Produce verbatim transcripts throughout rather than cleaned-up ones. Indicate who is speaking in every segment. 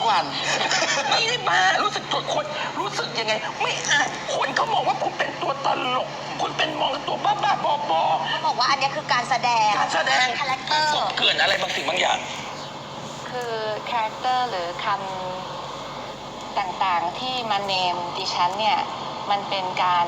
Speaker 1: วัน
Speaker 2: ไม่ได้บ้ารู้สึกตัวคนรู้สึกยังไงไม่อ่านคนเขามองว่าคุณเป็นตัวตลกคุณเป็นมองตัวบ้าบ้าบอบอ
Speaker 3: เขาบอกว่าอันนี้คือการแสดง
Speaker 2: การแสดง
Speaker 3: คาแรคเตอร์
Speaker 2: เกินอะไรบางสิ่งบางอย่าง
Speaker 4: คือคาแรคเตอร์หรือคำต่างๆที่มาเนมดิฉันเนี่ยมันเป็นการ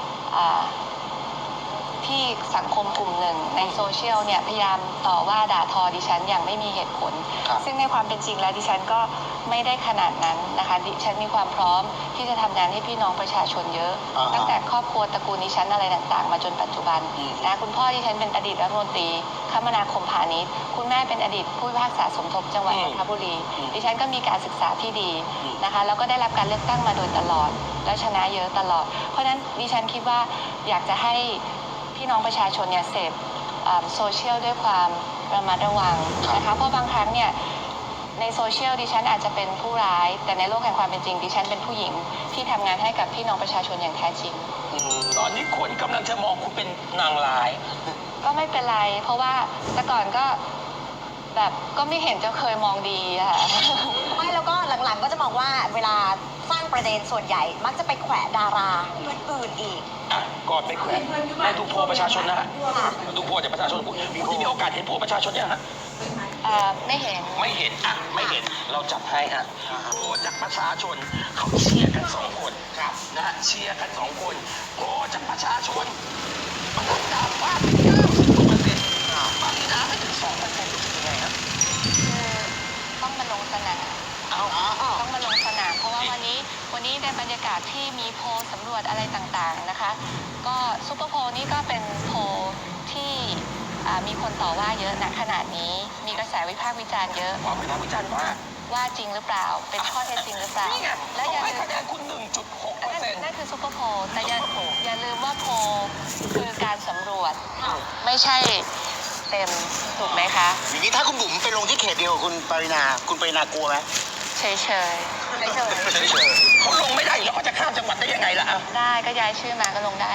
Speaker 4: ที่สังคมกลุ่มหนึ่งในโซเชียลเนี่ยพยายามต่อว่าด่าทอดิฉันอย่างไม่มีเหตุผลซึ่งในความเป็นจริงแล้วดิฉันก็ไม่ได้ขนาดนั้นนะคะดิฉันมีความพร้อมที่จะทำงานให้พี่น้องประชาชนเยอะตั้งแต่ครอบครัวตระกูลดิฉันอะไรต่างๆมาจนปัจจุบันนะคุณพ่อดิฉันเป็นอดีตรัฐมนตรีคมนาคมพาณิชย์คุณแม่เป็นอดีตผู้พิพากษาสมทบจังหวัดนนทบุรีดิฉันก็มีการศึกษาที่ดีนะคะแล้วก็ได้รับการเลือกตั้งมาโดยตลอดแล้วชนะเยอะตลอดเพราะฉะนั้นดิฉันคิดว่าอยากจะให้พี่น้องประชาชนเนี่ยเสพโซเชียลด้วยความระมัดระวังนะคะเพราะบางครั้งเนี่ยในโซเชียลดิฉันอาจจะเป็นผู้ร้ายแต่ในโลกแห่งความเป็นจริงดิฉันเป็นผู้หญิงที่ทำงานให้กับพี่น้องประชาชนอย่างแท้จริง
Speaker 2: ตอนนี้คนกำลังจะมองคุณเป็นนางร้าย
Speaker 4: ก็ไม่เป็นไรเพราะว่าแต่ก่อนก็แบบก็ไม่เห็นจะเคยมองดีอะค่ะ
Speaker 3: ไม่แล้วก็หลังๆก็จะมองว่าเวลาสร้างประเด็นส่วนใหญ่มักจะไปแขวะดาราอื่นๆอีก
Speaker 2: อ่ะก่อนไปแขวะให้ดูโพลประชาชนนะฮะดูโพลจากประชาชนคุณที่มีโอกาสเห็นโพลประชาชนเนี่ยฮะ
Speaker 4: ไม่เห็น
Speaker 2: ไม่เห็นอ่ะไม่เห็นเราจัดให้ฮะโพลจากประชาชนเขาเชียร์กันสองคนครับนะฮะเชียร์กันสองคนโพลจากประชาชนมันทำดาวว่าเก้าสิบกว่าเปอร์เซ็นต์ปรินาไม่ถึงสองเปอร์เซ็นต์รู้สึกยังไงครับ
Speaker 4: ต้องมาลงสนามต้องมาลงสนามเพราะว่าวันนี้วันนี้ในบรรยากาศที่มีโพลสำรวจอะไรต่างๆนะคะก็ซุปเปอร์โพลนี่ก็เป็นโพลที่มีคนต่อว่าเยอะณขนาดนี้มีกระแสวิพากษ์วิจารณ์เยอะ
Speaker 2: วิพากษ์วิจารณ์ว่า
Speaker 4: ว่าจริงหรือเปล่าเป็นข้อเท็จจริงหรือเปล่า
Speaker 2: แล้วอย่าลืมคะแนนคุณ หนึ่งจุดหกเปอร์เซ็นต์
Speaker 4: นั่นคือซุปเปอร์โพลแต่อย่าอย่าลืมว่าโพลคือการสำรวจไม่ใช่เต็มถูกไหมคะ
Speaker 1: อย่างนี้ถ้าคุณบุ๋มไปลงที่เขตเดียวกับคุณปรินาคุณปรินากลัวไหม
Speaker 4: เฉยเฉยเฉยเฉย
Speaker 2: เฉยเขาลงไม่ได้แล้วเขาจะข้ามจังหวัดได้ยังไงล่ะ
Speaker 4: ได้ก็ย้ายชื่อมาก็ลงได้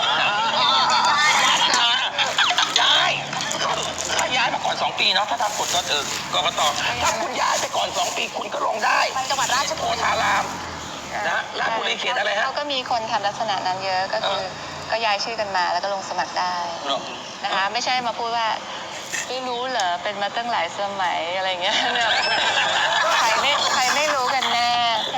Speaker 2: ย้ายถ้าย้ายมาก่อนสองปีเนาะถ้าทำกฎก็เออกกตถ้าคุณย้ายไปก่อนสองปีคุณก็ลงได้
Speaker 3: จังหวัดราชบุรี
Speaker 2: โพธารามนะราชบุรีเขตอะไรฮะ
Speaker 4: เขาก็มีคนทำลักษณะนั้นเยอะก็คือก็ย้ายชื่อกันมาแล้วก็ลงสมัครได้นะคะไม่ใช่มาพูดว่าไม่รู้เหรอเป็นมาตั้งหลายสมัยอะไรเงี้ยเนี่ยใครไม่ใครไม่รู้กันแน่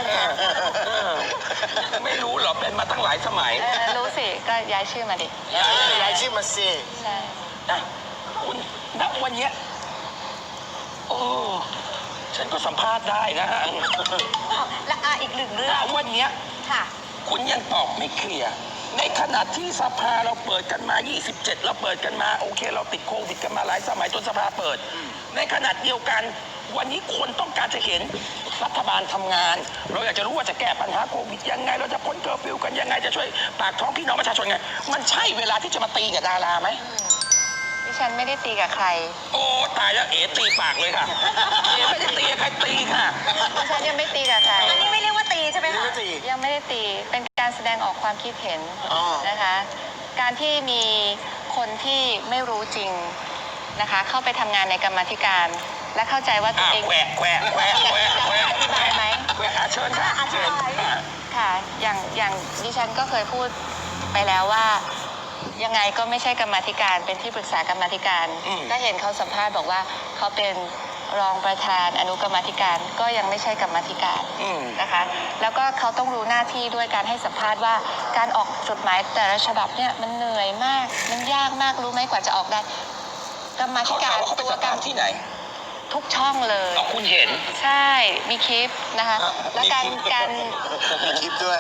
Speaker 2: ไม่รู้เหรอเป็นมาตั้งหลายสมัย
Speaker 4: รู้สิก็ย้ายชื่อมาดิ
Speaker 1: ย้ายชื่อมาสิ
Speaker 4: ใช่
Speaker 2: คุณณวันนี้โอ้ฉันก็สัมภาษณ์ได้นะฮะ
Speaker 3: และอีกหนึ่งเรื่อง
Speaker 2: วันนี้
Speaker 3: ค่ะ
Speaker 2: คุณยังตอบไม่เคลียร์ในขณะที่สภาเราเปิดกันมายี่สิบเจ็ดเราเปิดกันมาโอเคเราติดโควิดกันมาหลายสมัยจนสภาเปิดในขณะเดียวกันวันนี้คนต้องการจะเห็นรัฐบาลทำงานเราอยากจะรู้ว่าจะแก้ปัญหาโควิดยังไงเราจะพ้นเคอร์ฟิวกันยังไงจะช่วยปากท้องพี่น้องประชาชนไงมันใช่เวลาที่จะมาตีกับดาราไหม
Speaker 4: ดิฉันไม่ได้ตีกับใคร
Speaker 2: โอ้ตายแล้วเอ๋ตีปากเลยค่ะเอ๋ไม่ได้ตีกับใครตีค่ะ
Speaker 4: ดิฉันยังไม่ตีกับใคร
Speaker 3: อันนี้ไม่เรียกว่าตีใช่ไหมคะ
Speaker 4: ยังไม่ได้ตีเป็นการแสดงออกความคิดเห็นนะคะการที่มีคนที่ไม่รู้จริงนะคะเข้าไปทำงานในกรรมาธิการและเข้าใจว่าตัวเอง
Speaker 2: แควะแควะแควะแควะแควะ
Speaker 4: อธิบายไหม
Speaker 2: แควะเชิญค่ะ
Speaker 3: อธิบาย
Speaker 4: ค่ะอย่างอย่างดิฉันก็เคยพูดไปแล้วว่ายังไงก็ไม่ใช่กรรมาธิการเป็นที่ปรึกษากรรมาธิการก็เห็นเขาสัมภาษณ์บอกว่าเขาเป็นรองประธานอนุกรรมาธิการก็ยังไม่ใช่กรรมาธิการนะคะแล้วก็เขาต้องรู้หน้าที่ด้วยการให้สัมภาษณ์ว่าการออกจดหมายแต่ละฉบับเนี่ยมันเหนื่อยมากมันยากมากรู้ไหมกว่าจะออกได้กรรมาธิการ
Speaker 2: ตัวกรรมที่ไหน
Speaker 4: ทุกช่องเลย
Speaker 2: คุณเห็น
Speaker 4: ใช่มีคลิปนะคะแล้วการการ
Speaker 1: มีคลิปด้วย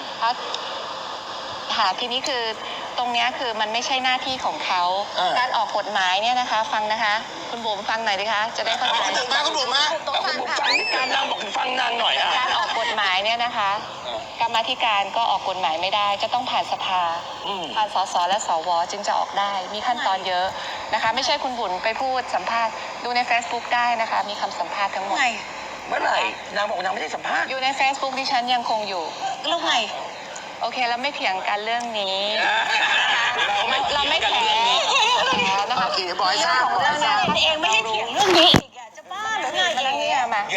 Speaker 4: ค่ะทีนี้คือตรงนี้คือมันไม่ใช่หน้าที่ของเขาการออกกฎหมายเนี่ยนะคะฟังนะคะคุณบุ๋มฟังหน่อยดิคะจะได้เข้าใจ
Speaker 1: คุณบุ๋มมาคุณบุ๋มมา
Speaker 2: คุณบุ๋มฟังการนางบอกฟังนางหน่อย
Speaker 4: การออกกฎหมายเนี่ยนะคะกรรมาธิการก็ออกกฎหมายไม่ได้จะต้องผ่านสภาผ่านสสและสวจึงจะออกได้มีขั้นตอนเยอะนะคะไม่ใช่คุณบุ๋มไปพูดสัมภาษณ์ดูใน Facebook ได้นะคะมีคำสัมภาษณ์ทั้งหมด
Speaker 2: เมื่อไหร่นางบอกนางไม่ได้สัมภาษณ์
Speaker 4: อยู่ใน Facebook ดิฉันยังคงอยู่
Speaker 3: แล้วไง
Speaker 4: โอเคเราไม่เถียงกันเรื่องนี้
Speaker 2: เราไม่
Speaker 4: เราไม่แถ
Speaker 1: นะคะบอยซ่า
Speaker 3: เรื่องนั้นเองไม่ได้เถียงเรื่องนี้อีกจะบ้าหรือไง
Speaker 2: เดี๋ยวก่อน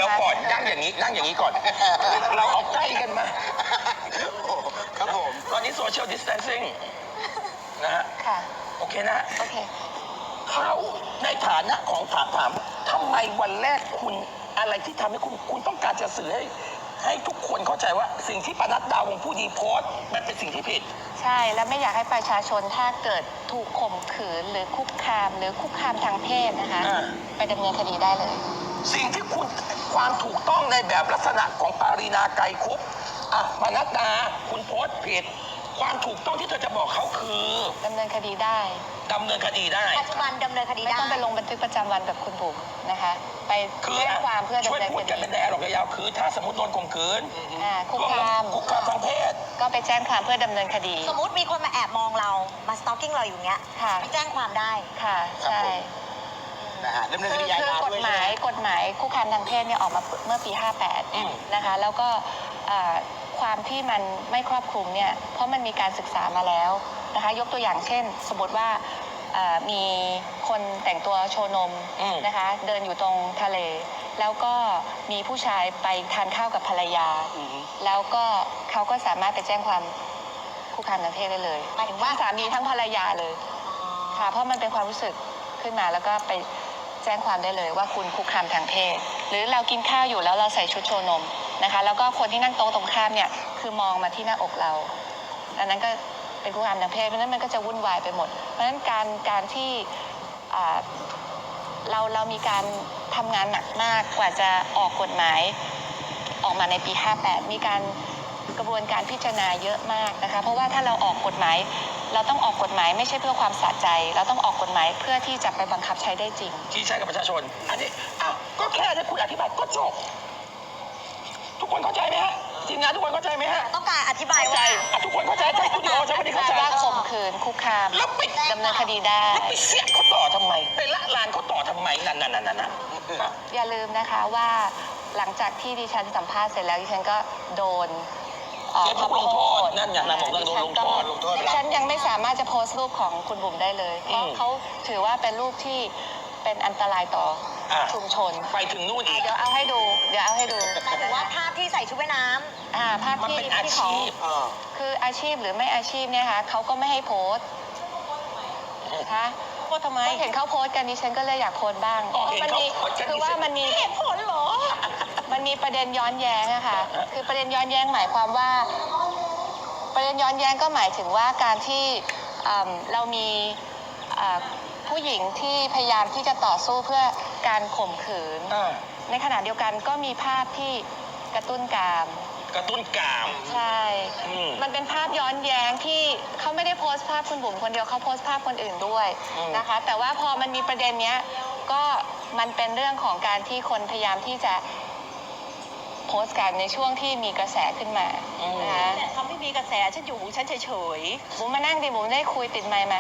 Speaker 2: นั่งอย่างนี้นั่งอย่างนี้ก่อน เราเอาใกล้กันมา
Speaker 1: ครับผม
Speaker 2: ตอนนี้โซเชียลดิส a ทนซิ่งนะฮะ
Speaker 4: ค่ะ
Speaker 2: โอเคนะ
Speaker 4: โอเค
Speaker 2: เขาในฐานะของถามถามทำไมวันแรกคุณอะไรที่ทำให้คุณคุณต้องการจะสื่อให้ ให้ทุกคนเข้าใจว่าสิ่งที่ปนัดดาวงผู้ดีโพสต์มันเป็นสิ่งที่ผิด
Speaker 4: ใช่ แล้วไม่อยากให้ประชาชนถ้าเกิดถูกข่มขืนหรือคุกคาม หรือคุกคามทางเพศนะคะ
Speaker 2: อ่า
Speaker 4: ไปดำเนินคดีได้เลย
Speaker 2: สิ่งที่คุณความถูกต้องในแบบลักษณะของปารีนาไกรคุปอ่ะปนัดดาคุณโพสต์ผิด ความถูกต้องที่เธอจะบอกเขาคือ
Speaker 4: ดำเนินคดีได้
Speaker 2: ดำเนินคดีได้
Speaker 3: ปัจจุบันดำเนินคดี
Speaker 4: ไม่
Speaker 3: ได้
Speaker 4: ต้องไปลงบันทึกประจำวันแบบคุณบุ๋มนะคะ ไป
Speaker 2: คือ
Speaker 4: แจ้งความเพื่อ
Speaker 2: ช่ว
Speaker 4: ดำ
Speaker 2: ย
Speaker 4: เนิน
Speaker 2: พู
Speaker 4: ค
Speaker 2: ดกัน
Speaker 4: ดี
Speaker 2: เป็นแดร์หรอกยาวๆคือถ้าสมมติโดนข่มขืน
Speaker 4: อ่าคุกคาม
Speaker 2: คุกคามทางเพศ
Speaker 4: ก็ไปแจ้งความเพื่อดำเนินคดี
Speaker 3: สมมติมีคนมาแอบมองเรา มาสตอกกิ้งเราอยู่เงี้ย
Speaker 4: ค่ะ
Speaker 3: ไปแจ้งความได้
Speaker 4: ค่ะ
Speaker 1: ครับ
Speaker 4: ใช่
Speaker 1: ผม นะฮะดำเนินค
Speaker 4: คือ
Speaker 1: ดีอา
Speaker 4: คือ
Speaker 1: ญาก
Speaker 4: ฎ
Speaker 1: ด้วย
Speaker 4: หมายกฎหมายคุกคามทางเพศเนี่ยออกมาเมื่อปี ห้าแปด
Speaker 2: อืม
Speaker 4: นะคะ แล้วก็เอ่อความที่มันไม่ครอบคลุมเนี่ย เพราะมันมีการศึกษามาแล้วนะคะ ยกตัวอย่างเช่น สมมติว่าเอ่อมีคนแต่งตัวโชว์นม
Speaker 2: อืม
Speaker 4: นะคะ เดินอยู่ตรงทะเล แล้วก็มีผู้ชายไปทานข้าวกับภรรยา
Speaker 1: อือฮึ
Speaker 4: แล้วก็เขาก็สามารถไปแจ้งความคุกคามทางเพศได้เลย
Speaker 3: หมายถึงว่า
Speaker 4: ทั้งสามีทั้งภรรยาเลย ค่ะ เพราะมันเป็นความรู้สึกขึ้นมาแล้วก็ไปแจ้งความได้เลยว่าคุณคุกคามทางเพศ หรือเรากินข้าวอยู่แล้วเราใส่ชุดโชว์นมนะคะ แล้วก็คนที่นั่งโต๊ะตรงข้ามเนี่ยคือมองมาที่หน้าอกเรา อันนั้นก็เป็นคุกคามทางเพศ เพราะฉะนั้นมันก็จะวุ่นวายไปหมด เพราะฉะนั้นการการที่อ่าเราเรามีการทำงานหนักมากกว่าจะออกกฎหมายออกมาในปี ห้าแปด มีการกระบวนการพิจารณาเยอะมากนะคะ เพราะว่าถ้าเราออกกฎหมาย เราต้องออกกฎหมายไม่ใช่เพื่อความสะใจ เราต้องออกกฎหมายเพื่อที่จะไปบังคับใช้ได้จริง
Speaker 2: ที่ใช้กับประชาชน อันนี้อ้าวก็แค่ให้คุณอธิบายก็จบ ทุกคนเข้าใจไหมฮะทีมงานทุกคนเข้าใจไหมฮะ
Speaker 3: ต้องการอธิบาย
Speaker 2: เข้าใจ
Speaker 3: ว่า
Speaker 2: อ่ะทุกคนเข้าใจใช่คุณโอใช่ไหมที่เข้าใจ
Speaker 4: ว่าข่มขืนคุกคาม
Speaker 2: แล้วไป
Speaker 4: ดำเนินคดีได้
Speaker 2: แล้วไปเสียบเขาต่อทำไมไปละลานเขาต่อทำไมนั่นนั่นนั่นนั่นน่ะ
Speaker 4: อย่าลืมนะคะว่าหลังจากที่ดิฉันสัมภาษณ์เสร็จแล้วดิฉันก็โดนเอ่อ
Speaker 2: เดี๋ยวถูกลงโทษนั่นอย่างนางบอกว่าโดนลงโทษ
Speaker 1: ลงโทษ
Speaker 4: ดิฉันยังไม่สามารถจะโพสต์รูปของคุณบุ๋มได้เลย เพราะ
Speaker 2: อืม
Speaker 4: เขาถือว่าเป็นรูปที่เป็นอันตรายต่ออะ ชุมชน
Speaker 2: ไปถึงนู่นอีก
Speaker 4: เดี๋ยวเอาให้ดู เดี๋ยวเอาให้ดู
Speaker 3: หมายถึงว่าภาพที่ใส่ชุดว่ายน้
Speaker 4: อ่าภาพ
Speaker 2: มัน
Speaker 4: ที่
Speaker 2: เป็นอา
Speaker 4: ที่ของ
Speaker 2: ชีพ
Speaker 1: เออ
Speaker 4: คืออาชีพหรือไม่อาชีพเนี่ยค่ะเขาก็ไม่ให้โพสต์นะคะโพสต์ทำไมเห็นเขาโพสต์กันดิฉันก็เลยอยากโพสต์บ้าง
Speaker 2: อ๋อเห็น
Speaker 4: มั
Speaker 2: เขา
Speaker 4: มี
Speaker 2: โพสต์กัน
Speaker 4: คือว่ามันมี
Speaker 3: ำเหตุผลเหรอ
Speaker 4: มันมีประเด็นย้อนแย้งอะค่ะ คือประเด็นย้อนแย้งหมายความว่า ประเด็นย้อนแย้งก็หมายถึงว่าการที่อืมเรามีอ่าผู้หญิงที่พยายามที่จะต่อสู้เพื่อการข่มขืน
Speaker 2: อ่า
Speaker 4: ในขณะเดียวกันก็มีภาพที่กระตุ้นกาม
Speaker 2: กระตุ้นกาม
Speaker 4: ใช่
Speaker 2: อืม
Speaker 4: มันเป็นภาพย้อนแย้งที่เขาไม่ได้โพสต์ภาพคุณบุ๋มคนเดียวเขาโพสต์ภาพคนอื่นด้วย
Speaker 2: อืม
Speaker 4: นะคะ แต่ว่าพอมันมีประเด็นเนี้ยก็มันเป็นเรื่องของการที่คนพยายามที่จะโพสต์กันในช่วงที่มีกระแสขึ้นมานะคะ
Speaker 3: แต่เขาไม่มีกระแสฉันอยู่ฉันเฉย
Speaker 4: บุ๋มมานั่งดิบุ๋มได้คุยติดไมค์มา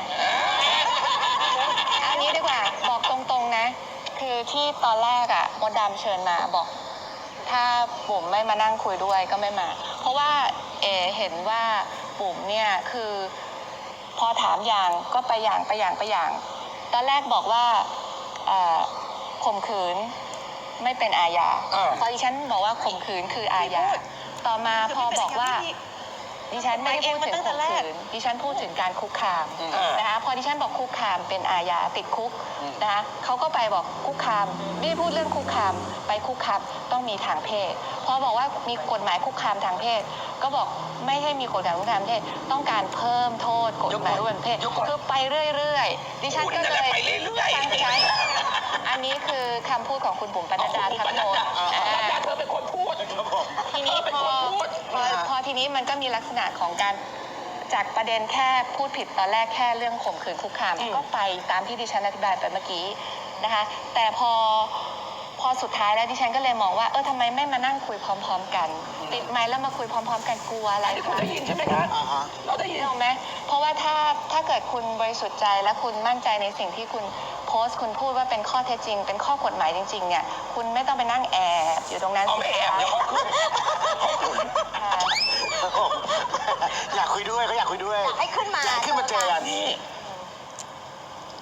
Speaker 4: เอางี้ดีกว่าบอกตรงๆนะ คือที่ตอนแรกอะมดดำเชิญมาบอก ถ้าบุ๋มไม่มานั่งคุยด้วยก็ไม่มา เพราะว่าเอเห็นว่าบุ๋มเนี่ยคือพอถามอย่างก็ไปอย่างไปอย่างไปอย่าง ตอนแรกบอกว่าเอ่อข่มขืนไม่เป็นอาญา
Speaker 2: อ่า
Speaker 4: พอดิฉันบอกว่าข่มขืนคืออาญา ต่อมาพอบอกว่า ดิฉันไม่ได้พูดถึงข่มขืน ดิฉันพูดถึงการคุกคาม
Speaker 2: อ่าน
Speaker 4: นะคะ พอดิฉันบอกคุกคามเป็นอาญาติดคุกนะคะเขาก็ไปบอกคุกคามไม่ได้พูดเรื่องคุกคามไปคุกคามต้องมีทางเพศ พอบอกว่ามีกฎหมายคุกคามทางเพศ ก็บอกไม่ให้มีกฎหมายคุกคามทางเพศ ต้องการเพิ่มโทษกฎหมายคุกคามทางเพศ คือไปเรื่อยๆ ดิฉันก็
Speaker 2: คุณนั่น
Speaker 4: เล
Speaker 2: แหละ
Speaker 4: ย
Speaker 2: ไปเรื่อยๆ
Speaker 4: ฟังดิฉันอันนี้คือคำพูดของคุณบุ๋มปนัดดา
Speaker 2: คุณ
Speaker 4: ทั้
Speaker 2: ป
Speaker 4: ง
Speaker 2: นั
Speaker 4: ห
Speaker 2: ด
Speaker 4: มด
Speaker 2: ดา
Speaker 4: อ่า
Speaker 2: ปนัดดาเธอเป็นคนพูด
Speaker 1: ครับผม
Speaker 4: ทีนี้
Speaker 2: เป็น
Speaker 4: พ
Speaker 2: ค
Speaker 4: อน
Speaker 2: พูด
Speaker 4: พอพอทีนี้มันก็มีลักษณะของการจากประเด็นแค่พูดผิดตอนแรกแค่เรื่องข่มขืนคุกคาม
Speaker 2: อืม
Speaker 4: ก็ไปตามที่ดิฉันอธิบายไปเมื่อกี้นะคะ แต่พอพอสุดท้ายแล้วดิฉันก็เลยมองว่าเออทำไมไม่มานั่งคุยพร้อม ๆ กัน ติดไมค์แล้วมาคุยพร้อม ๆ กันกลัวอะไร
Speaker 2: อันนี้คุณ
Speaker 4: คะ
Speaker 2: ได้ยินใช่ไหมครับ
Speaker 1: อ่าฮะ
Speaker 2: เราได้ยิน
Speaker 4: ถูกไหมเพราะว่าถ้าถ้าเกิดคุณบริสุทธิ์ใจและคุณมั่นใจในสิ่งที่คุณโพสต์คุณพูดว่าเป็นข้อเท็จจริง เป็นข้อกฎหมายจริงๆเนี่ยคุณไม่ต้องไปนั่งแอบอยู่ตรงนั้น
Speaker 2: เอาไม่แอบเดี๋ยวเขาขึ้นเขาขึ้น
Speaker 4: ค่ะ
Speaker 1: ครับผมอยากคุยด้วยเขาอยากคุยด้วย
Speaker 3: อยากให้ขึ้นมา
Speaker 1: อยากให้ขึ้นมาเจอกัน
Speaker 2: นี่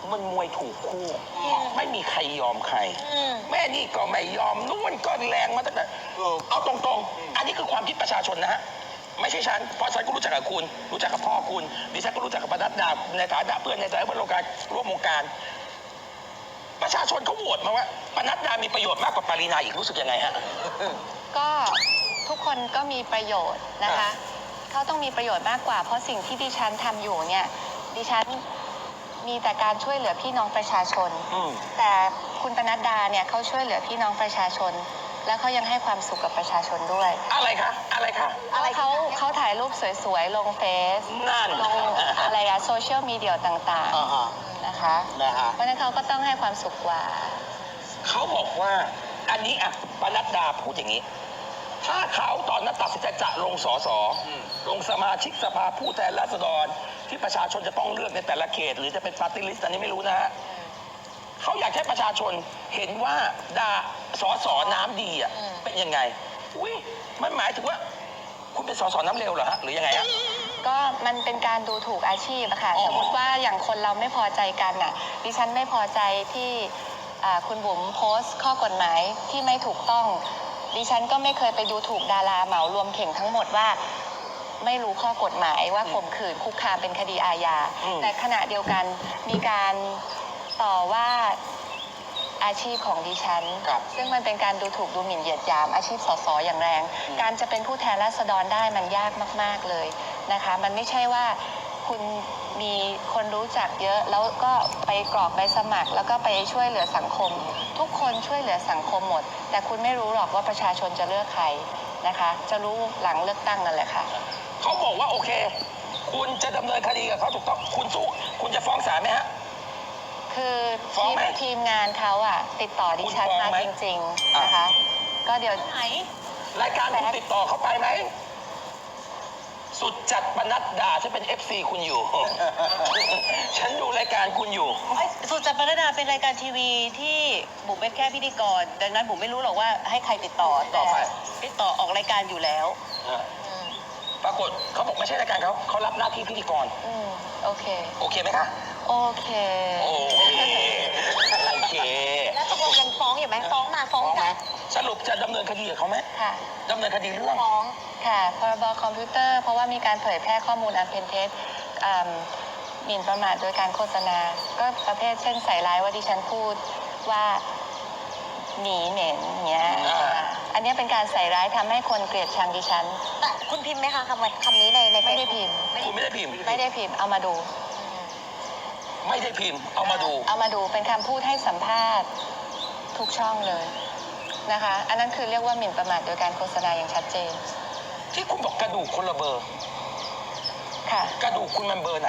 Speaker 2: มันมวยถูกคู่ ไม่มีใครยอมใคร
Speaker 3: อืม
Speaker 2: แม่นี่ก็ไม่ยอมนู่นก็แรงมาตั้งแต่
Speaker 1: เออ
Speaker 2: เอาตรงๆ อันนี้คือความคิดประชาชนนะฮะ ไม่ใช่ฉัน เพราะฉันก็รู้จักกับคุณ รู้จักกับพ่อคุณ ดิฉันก็รู้จักกับปนัดดาในฐานะเพื่อนในฐานะเพื่อนร่วมการร่วมวงการ ประชาชนเขาโหวตมาว่าปนัดดามีประโยชน์มากกว่าปารีนาอีกรู้สึกยังไงฮะ
Speaker 4: ก็ทุกคนก็มีประโยชน์นะคะ เขาต้องมีประโยชน์มากกว่า เพราะสิ่งที่ดิฉันทำอยู่เนี่ยดิฉันมีแต่การช่วยเหลือพี่น้องประชาชน
Speaker 2: อืม
Speaker 4: แต่คุณปนัดดาเนี่ยเขาช่วยเหลือพี่น้องประชาชน แล้วเขายังให้ความสุขกับประชาชนด้วย
Speaker 2: อะไรคะ อะไรคะ
Speaker 3: อะไร
Speaker 4: เขาเขาถ่ายรูปสวยๆ ลงเฟซ
Speaker 2: นั่น
Speaker 4: ลงอะไรอะโซเชียลมีเดียต่าง
Speaker 1: อ่าฮะ
Speaker 4: ๆนะคะ
Speaker 1: นะฮะ
Speaker 4: เพราะฉะนั้นเขาก็ต้องให้ความสุขกว่า
Speaker 2: เขาบอกว่า อันนี้อ่ะปนัดดาพูดอย่างนี้ ถ้าเขาตอนนั้นตัดสินใจจะลงสสลงสมาชิกสภาผู้แทนราษฎร ที่ประชาชนจะต้องเลือกในแต่ละเขต หรือจะเป็นปาร์ตี้ลิสต์อันนี้ไม่รู้นะฮะเขาอยากให้ประชาชนเห็นว่าดาสอสอน้ำดีอ่ะ
Speaker 4: อืม
Speaker 2: เป็นยังไงอุ้ยมันหมายถึงว่า คุณเป็นสอสอน้ำเร็วเหรอฮะหรือยังไงฮะ
Speaker 4: ก็มันเป็นการดูถูกอาชีพอะค่ะ
Speaker 2: อ๋อ
Speaker 4: สมมติว่าอย่างคนเราไม่พอใจกันน่ะ ดิฉันไม่พอใจที่อ่าคุณบุ๋มโพสต์ข้อกฎหมายที่ไม่ถูกต้อง ดิฉันก็ไม่เคยไปดูถูกดาราเหมารวมเข่งทั้งหมดว่าไม่รู้ข้อกฎหมายว่าข่มขืนคุกคามเป็นคดีอาญา
Speaker 2: อืม
Speaker 4: แต่ขณะเดียวกันมีการต่อว่าอาชีพของดิฉัน
Speaker 1: ครับ
Speaker 4: ซึ่งมันเป็นการดูถูกดูหมิ่นเหยียดหยามอาชีพสสอย่างแรง การจะเป็นผู้แทนราษฎรได้มันยากมาก ๆ เลยนะคะ มันไม่ใช่ว่าคุณมีคนรู้จักเยอะ แล้วก็ไปกรอกใบสมัคร แล้วก็ไปช่วยเหลือสังคม ทุกคนช่วยเหลือสังคมหมด แต่คุณไม่รู้หรอกว่าประชาชนจะเลือกใครนะคะ จะรู้หลังเลือกตั้งนั่นแหละค่ะ
Speaker 2: เขาบอกว่าโอเค คุณจะดำเนินคดีกับเขาถูกต้องคุณสู้คุณจะฟ้องศาลไหมฮะ
Speaker 4: คือ
Speaker 2: ฟ้อง
Speaker 4: ทีม
Speaker 2: ไหม
Speaker 4: ทีมงานเขาอะติดต่อดิฉัน
Speaker 2: คุณฟ้อง
Speaker 4: มา
Speaker 2: ไหม
Speaker 4: จริง
Speaker 2: อ่ะ
Speaker 4: ๆนะคะ ก็เดี๋ยว
Speaker 3: ไหน
Speaker 2: รายการคุณติดต่อเขาไปไหม สุดจัดปนัดดาฉันเป็น เอฟ ซี คุณอยู่ ฉันดูรายการคุณอยู่
Speaker 5: สุจัดปรดาเป็นรายการทีวีที่บุ๋มเป็นแค่พิธีกร ดังนั้นบุ๋มไม่รู้หรอกว่าให้ใครติดต่อ
Speaker 2: ต่อไป
Speaker 5: ติดต่อออกรายการอยู่แล้ว
Speaker 2: ปรากฏเขาบอกไม่ใช่รายการเขาเขารับหน้าที่พิธีกร
Speaker 4: อืมโอเค
Speaker 2: โอเคไหมคะ
Speaker 4: โอเค
Speaker 2: โอเค โอเค
Speaker 3: แล้วตกลงยังฟ้องอยู่ไหมฟ้องมาฟ้องกลับ
Speaker 2: สรุปจะดำเนินคดีกับเขาไหม
Speaker 4: ค่ะ
Speaker 2: ดำเนินคดีเรื่อง
Speaker 3: ฟ้อง
Speaker 4: ค่ะ พรบคอมพิวเตอร์ เพราะว่ามีการเผยแพร่ข้อมูลอันเป็นเท็จอ่าหมิ่นประมาทโดยการโฆษณา ก็ประเภทเช่นใส่ร้ายว่าดิฉันพูดว่าหนีเหม็นอย่างเงี้ย
Speaker 2: อ่า
Speaker 4: อันเนี้ยเป็นการใส่ร้ายทำให้คนเกลียดชังดิฉัน
Speaker 3: แต่คุณพิมพ์ไหมคะคำคำนี้ในใน
Speaker 4: ไม่ได้
Speaker 3: Facebook
Speaker 4: พิมพ์
Speaker 2: คุณไม่ได้พิมพ์
Speaker 4: ไม่ได้พิมพ์ เอามาดู
Speaker 2: ไม่ได้พิมพ์ เอามาดู
Speaker 4: เอามาดูเป็นคำพูดให้สัมภาษณ์ทุกช่องเลยนะคะ อันนั้นคือเรียกว่าหมิ่นประมาทโดยการโฆษณาอย่างชัดเจน
Speaker 2: ที่คุณบอกกระดูกคนละเบอร์
Speaker 4: ค่ะ
Speaker 2: กระดูกคุณมันเบอร์ไหน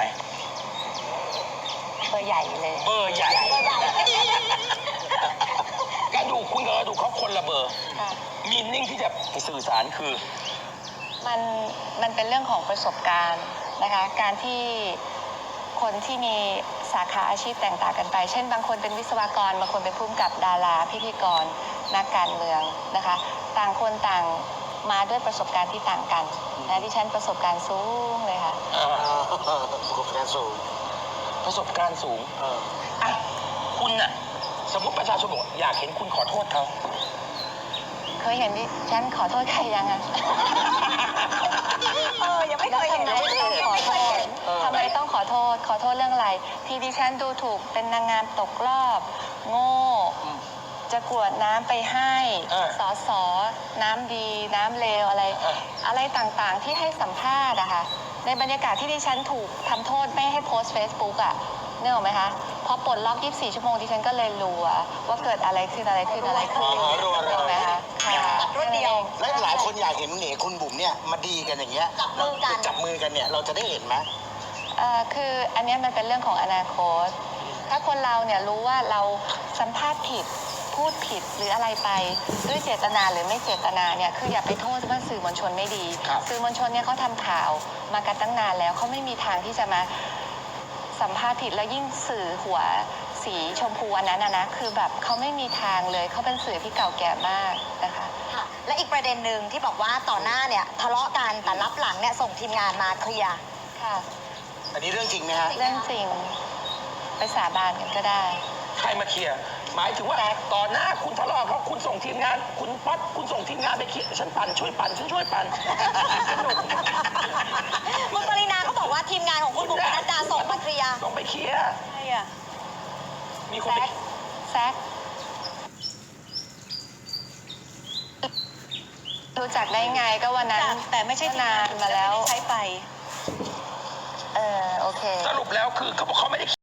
Speaker 4: เบอร์ใหญ่เลย
Speaker 2: เบอร์ใหญ่ กระดูกคุณกับกระดูกเขาคนละเบอร์
Speaker 4: ค่ะ
Speaker 2: มีนิ่งที่จะสื่อสารคือ
Speaker 4: มันมันเป็นเรื่องของประสบการณ์นะคะ การที่คนที่มีสาขาอาชีพแตกต่างกันไป เช่น บางคนเป็นวิศวกร บางคนเป็นผู้กำกับดาราพิธีกร นักการเมืองนะคะ ต่างคนต่างมาด้วยประสบการณ์ที่ต่างกันนะดิฉันประสบการณ์สูงเลยค่ะ
Speaker 2: อ่า
Speaker 1: ประสบการณ์สูง
Speaker 2: ประสบการณ์สูง
Speaker 1: เออ
Speaker 2: อ่ะ คุณน่ะ สมมติประชาชนบอกอยากเห็นคุณขอโทษเขา
Speaker 4: เคยเห็นดิฉันขอโทษใครยังอะ
Speaker 3: เออยังไม่เคยเห็น
Speaker 4: แล้วทำไมต้องขอโทษทำไมต้องขอโทษ ขอโทษเรื่องอะไร ที่ดิฉันดูถูกเป็นนางงามตกรอบ โง่ จะกรวดน้ำไปให้
Speaker 2: เออ
Speaker 4: สอสอน้ำดี น้ำเลวอะไร
Speaker 2: เออ
Speaker 4: อะไรต่างๆที่ให้สัมภาษณ์อะค่ะ ในบรรยากาศที่ดิฉันถูกทำโทษไม่ให้โพสต์ Facebook อะนึกออกไหมคะ พอปลดล็อกยี่สิบสี่ชั่วโมงดิฉันก็เลยรู้อะว่าเกิดอะไรขึ้นอะไรขึ้นอะไรขึ้น
Speaker 1: อ๋อรัวๆ
Speaker 4: นึกออกไหมคะค่ะ
Speaker 3: รวดเดียว
Speaker 1: และหลายคนอยากเห็นเหน่คุณบุ๋มเนี่ยมาดีกันอย่างเงี้ย
Speaker 3: จับมือกัน
Speaker 1: จับมือกันเนี่ยเราจะได้เห็นไหม
Speaker 4: เอ่อคืออันเนี้ยมันเป็นเรื่องของอนาคต ถ้าคนเราเนี่ยรู้ว่าเราสัมภาษณ์ผิด พูดผิดหรืออะไรไปด้วยเจตนาหรือไม่เจตนาเนี่ยคืออย่าไปโทษว่าสื่อมวลชนไม่ดี
Speaker 2: ครับ
Speaker 4: สื่อมวลชนเนี่ยเขาทำข่าวมากันตั้งนานแล้วเขาไม่มีทางที่จะมาสัมภาษณ์ผิดแล้วยิ่งสื่อหัวสีชมพูอันนั้นนะนะคือแบบเขาไม่มีทางเลยเขาเป็นสื่อที่เก่าแก่มากนะคะ
Speaker 3: ค่ะ และอีกประเด็นหนึ่งที่บอกว่าต่อหน้าเนี่ยทะเลาะกันแต่รับหลังเนี่ยส่งทีมงานมาเคลียร์
Speaker 4: ค่ะ
Speaker 1: อันนี้เรื่องจริงไหมฮะ
Speaker 4: เรื่องจริงไปสาบานกันก็ได้
Speaker 2: ใครมาเคลียร์หมายถึงว่าต่อหน้าคุณทะเลาะเขาคุณส่งทีมงาน คุณป๊อปคุณส่งทีมงานไปเคลียร์ฉันปั่นช่วยปั่นฉันช่วยปั่นสนุก
Speaker 3: คุณปรินาเขาบอกว่าทีมงานของคุณบุ๋มปนัดดาส่งมาเคลียร์
Speaker 2: ต้องไปเคลียร์
Speaker 5: ใช่อ่ะ
Speaker 2: มีคน
Speaker 4: แซ
Speaker 2: ไป
Speaker 4: กแซกรู้จักได้ไงก็วันนั้น
Speaker 5: จากแต่ไม่ใช่ทีม
Speaker 4: นาง
Speaker 5: าน
Speaker 4: นมาแล้ว
Speaker 5: ไม่ได้ใช้ไป
Speaker 4: เออโอเค
Speaker 2: สรุปแล้วคือเขาบอกเขาไม่ได้